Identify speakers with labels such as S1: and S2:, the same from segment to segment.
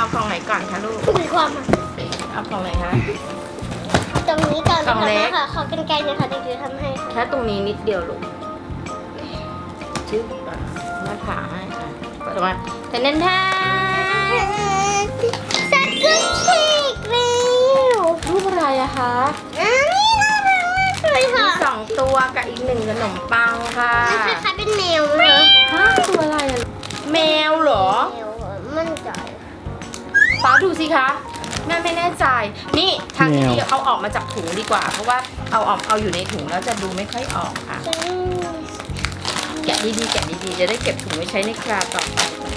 S1: กล่องไหนก่อนคะลูก
S2: มีความ
S1: เอากล่องไหนคะ
S2: ตรงนี้ก่อน
S1: กล่องเล็ก
S2: ค่ะขอกันไกลนะคะเด็กจิ๋วทำให้ค่ะ
S1: แค่ตรงนี้นิดเดียวลูกชึบหน้าผากให้ค่ะเปิดออกมาแต่แน่นแท้
S2: สกุลเค้กเร็ว
S1: รูปอะไรอะคะ
S2: อันนี้น่ารักมากเลย
S1: มี
S2: ค่ะ
S1: 2 ตัวกับอีก1ขนมปังค่ะ
S2: มันคล้ายๆเป็นแมวนะคะ
S1: ฮะตัวอะไรอะแมวเหรอ
S2: แมวมั่นใจ
S1: ฟ้าดูสิคะแม่ไม่แน่ใจนี่ทางที่ดีเอาออกมาจากถุงดีกว่า เพราะว่าเอาอยู่ในถุงแล้วจะดูไม่ค่อยออกค่ะ แกะดีๆแกะดีๆจะได้เก็บถุงไว้ใช้ในคราวต่อไป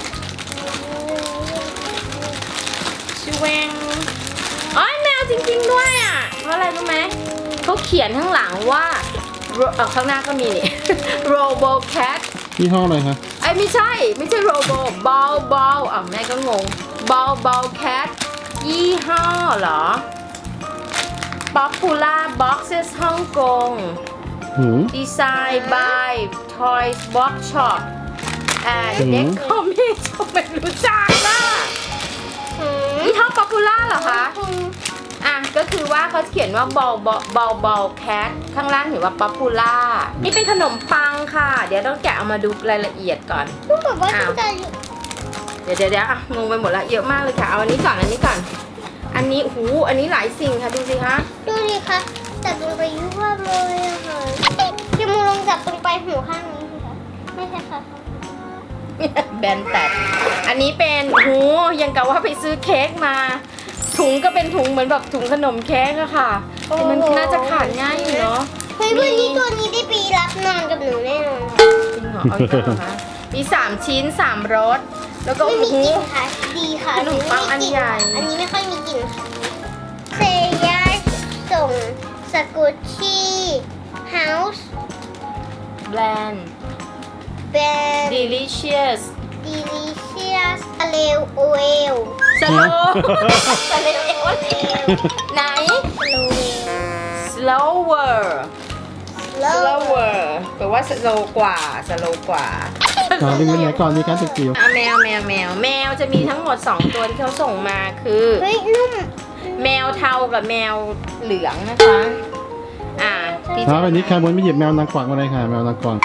S1: ชเวงอ๋อแมวจริงๆด้วยอ่ะเพราะอะไรรู้ไหมเขาเขียนข้างหลังว่าข้างหน้าก็มีนี่ Robo Cat
S3: ยี่ห้ออะไรคะ
S1: ไอ้ยไม่ใช่โรโบบอลแม่ก็งงบอลแคทยี่ห้อเหรอ Popular Boxes ฮ่องกง
S3: หืม
S1: Design by Toys Box Shop and Decomics ไม่รู้จักนะยี่ห้อ Popular เหรอคะ อ่ะก็คือว่าเขาเขียนว่าบอลแคทข้างล่างเห็นว่า Popular นี่เป็นขนมปังค่ะ เดี๋ยวต้องแกะเอามาดูรายละเอียดก่อน
S2: พูดแบบว่าจะ
S1: เดี๋ยวอ่ะงงไปหมดละเยอะมากเลยค่ะ เอาอันนี้ก่อน อันนี้หูอันนี้หลายสิ่งค่ะ ดูสิคะ
S2: ดูดิคะจับลงไปยุ่งเลยอะค่ะจมูกลองจับตรงไปหูข้างนี้สิคะไม่ใช่ค่ะ
S1: แบนแตกอันนี้เป็นหูยังกะว่าไปซื้อเค้กมา ถุงก็เป็นถุงเหมือนแบบถุงขนมเค้กอะค่ะแต่มันน่าจะขาดง่ายอยู่เนาะ
S2: เฮ้ยวันนี้ตัวนี้ได้ปีรับนอนกับหนูแน่นอน
S1: จริงเหรอเอาอีกแล้วเหรอคะมี3 ชิ้น 3 รสแล้วก็
S2: ไม่มี
S1: หู
S2: กลิ่นค่ะดีค่ะ
S1: ขนมปังอันใหญ่
S2: อันนี้ไม่ค่อยมีกลิ่นค่ะเซย่าส่งสกุชชี่เฮาส์
S1: แบรนด์
S2: แบรนด์
S1: delicious
S2: delicious อเลวโอเอล
S1: สโลสเลเอวไหน
S2: สโลเวล
S1: slower แปลว่า slow กว่า
S3: ก่อนดึงไปไหนก่อนดีครับจิ๋ว
S1: อ่ะแมวจะมีทั้งหมด 2 ตัวที่เขาส่งมาคือ
S2: เฮ้ยนุ่ม
S1: แมวเทากับแมวเหลืองนะคะที่
S3: ๆวันนี้ใครบนไม่หยิบแมวนางกวักมาเลยค่ะแมวนางกวัก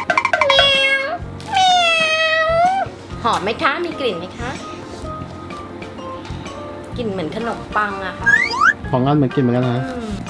S1: หอมไหมคะมีกลิ่นไหมคะกลิ่นเหมือนขนมปังอะค่ะ
S3: ของอันเหมือนกินเหมือนกันนะ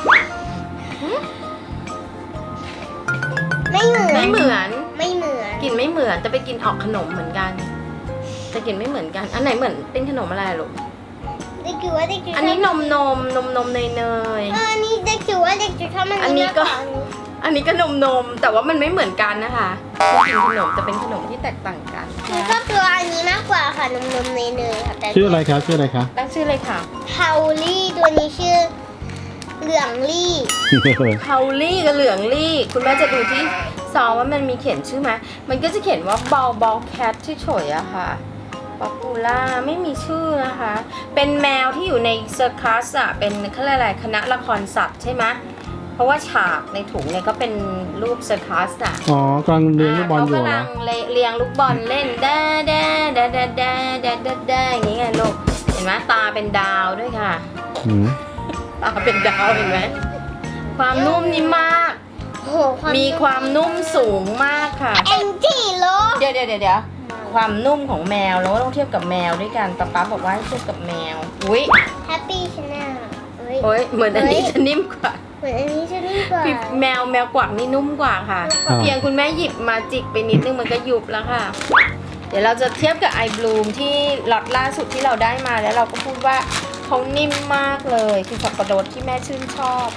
S2: ไม่เหมือน
S1: ไม่เหมือน
S2: ไม่เหมือน
S1: กลิ่นไม่เหมือนแต่ไปกินออกขนมเหมือนกันแต่กลิ่นไม่เหมือนกันอันไหนเหมือนเป็นขนมอะไรลูก
S2: เด็กจิ๋วว่าเด็กจิ๋ว
S1: อันนี้นมเนย
S2: อันนี้เด็กจิ๋วว่าเด็กจิ๋วชอบมัน
S1: อันนี้ก็
S2: มากว่า
S1: อันนี้ก็นมแต่ว่ามันไม่เหมือนกันนะคะเป็นกลิ่นขนมแต่เป็นขนมที่แตกต่างกัน
S2: หนูชอบตัวอันนี้มากกว่าค่ะนมเนยๆค่ะแต่
S3: ชื่ออะไรคะชื่ออะไรคะ
S1: ตั้งชื่อเลยค่ะ
S2: เทาลี่ตัวนี้ชื่อเหลืองลี่
S1: เฮาลี่กับเหลืองลี่คุณแม่จะดูที่ซองว่ามันมีเขียนชื่อไหมมันก็จะเขียนว่าบอลแคทที่เฉยๆอะค่ะป๊อปปูล่าไม่มีชื่อนะคะ เป็นแมวที่อยู่ในเซอร์คัสอะเป็นเขาเรียกอะไรคณะละครสัตว์ใช่ไหมเพราะว่าฉากในถุงเนี่ยก็เป็นรูปเซอร์คัสอะ
S3: อ๋อกำลังเลี้ยงลูกบอลอยู่
S1: เขา
S3: เหร
S1: กำลั
S3: อง
S1: เลี้ยงลูกบอลเล่นได้อย่างนี้ไงลูกเห็นไหมตาเป็นดาวด้วยค่ะ
S3: หืม
S1: ตาเป็นดาวเห็นไหมความนุ่มนี่มาก
S2: โอ้โห
S1: มีความนุ่มสูงมากค่ะ
S2: แองจี้โล
S1: เดี๋ยวความนุ่มของแมวแล้วก็ต้องเทียบกับแมวด้วยกันป๊าบอกว่าให้เทียบกับแมวอุ้ย
S2: แฮปปี้ชาแนล
S1: โอ้ยเหมือนอันนี้จะนิ่มกว่า
S2: เหมือนอันนี้จะดีกว่า
S1: พี่แมวกวักนี่นุ่มกว่าค่ะ เพียงคุณแม่หยิบมาจิกไปนิดนึงมันก็ยุบแล้วค่ะ เดี๋ยวเราจะเทียบกับไอบลูมที่ล็อตล่าสุดที่เราได้มาแล้วเราก็พูดว่าเขานิ่มมากเลยคือสับปะรดที่แม่ชื่นชอบ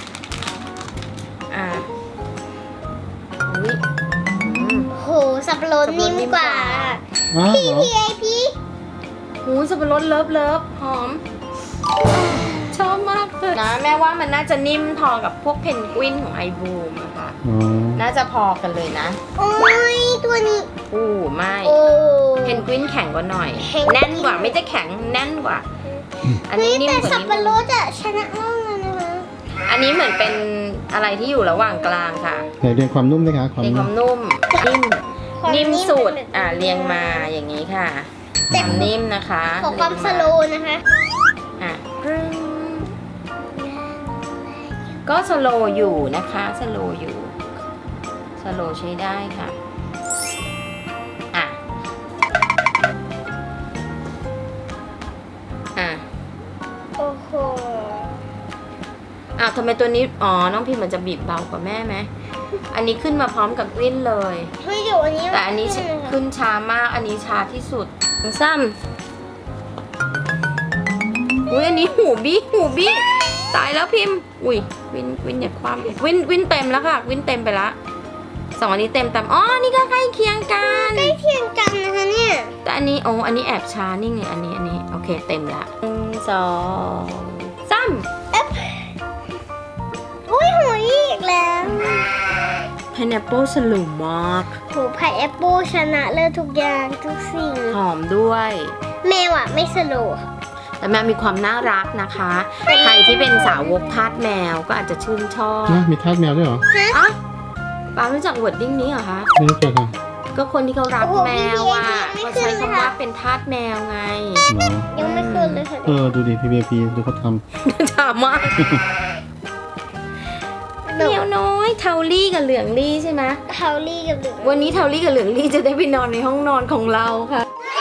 S1: อุ้ย
S2: โหสับปะรดนิ่มกว่า
S3: อ้าว
S2: พี่
S3: เหรอ
S2: พี่ไอพี่
S1: หูสับปะรดเลิฟหอมชอบมากเลยนะแม่ว่ามันน่าจะนิ่มพอกับพวกเพนกวินของไอบูมอะค่ะ
S3: อ๋อ
S1: น่าจะพอกันเลยนะ
S2: โอ้ยตัวนี้
S1: ไม่
S2: โอ้
S1: เพนกวินแข็งกว่าหน่อย
S2: เพนกวิน
S1: แน่นกว่าไม่จะแข็งแน่นกว่า อันนี้นิ่ม
S2: แต่
S1: กว่า
S2: สับ
S1: นิด
S2: ปะ
S1: นึ
S2: รง ดอะชนะมากเลยนะคะ
S1: อันนี้เหมือนเป็นอะไรที่อยู่ระหว่างกลางค่ะ
S3: ไหนเรียงความนุ่มด้วยคะความ
S1: เรียงค
S3: นุ่
S1: วาม มนุ่มนิ่มสุดเรียงมาอย่างนี้ค่ะความนิ่มนะคะ
S2: ขอความสโลว์นะคะ
S1: อ่ะปรึ้งก็สโลว์อยู่นะคะสโลว์อยู่สโลว์ใช้ได้ค่ะอ่ะอ่ะ
S2: โอ้โห
S1: อ้าวทำไมตัวนี้อ๋อน้องพิมพ์มันจะบีบเบากว่าแม่ไหมอันนี้ขึ้นมาพร้อมกับกลิ้นเลย
S2: เฮ้ยเดี๋ยวอันนี้
S1: แต่อันนี้
S2: ขึ้เลยค่ะ
S1: ขึ้นช้ามากอันนี้ช้าที่สุดซ้ำอุ้ยอันนี้หูบี้ตายแล้วพิมพ์อุ้ยวินอย่าความวินเต็มแล้วค่ะวินเต็มไปละสองอันนี้เต็มอ๋อนี่ก็ใกล้เคียงกัน
S2: ใกล้เคียงกันนะคะเนี่ย
S1: แต่อันนี้โอ้อันนี้แอบช้านี่ไงอันนี้โอเคเต็มละ1 2 3
S2: อุ้ยหัวอีกแล้ว
S1: pineapple สลุมมาก
S2: โหไผ่แอปเปิลชนะเลิศทุกอย่างทุกสิ่ง
S1: หอมด้วย
S2: แมวอ่ะไม่สโลว์ค่ะ
S1: แต่แมวมีความน่ารักนะคะ ใครที่เป็นสาวกทาสแมวก็อาจจะชื่นชอบ
S3: นะมีทาสแมวด้วยเหรอ
S1: อ่ะปารู้จักวอร์ดดิ้งนี้เหรอคะ
S3: ไม่รู้จักค่ะ
S1: ก็คนที่เขารักแมวอ่ะเขาใช้คำว่าเป็นทาสแมวไง
S3: เหรอ
S2: ยังไม่เคยเลยค่ะ
S3: ดูดิพีพีดูเขาท
S1: ถามมากแมวน้อยเทาลี่กับเหลืองลี่ใช่ไหม
S2: เทาลี่กับเหลือง
S1: วันนี้เทาลี่กับเหลืองลี่จะได้ไปนอนในห้องนอนของเราค่ะ
S2: เ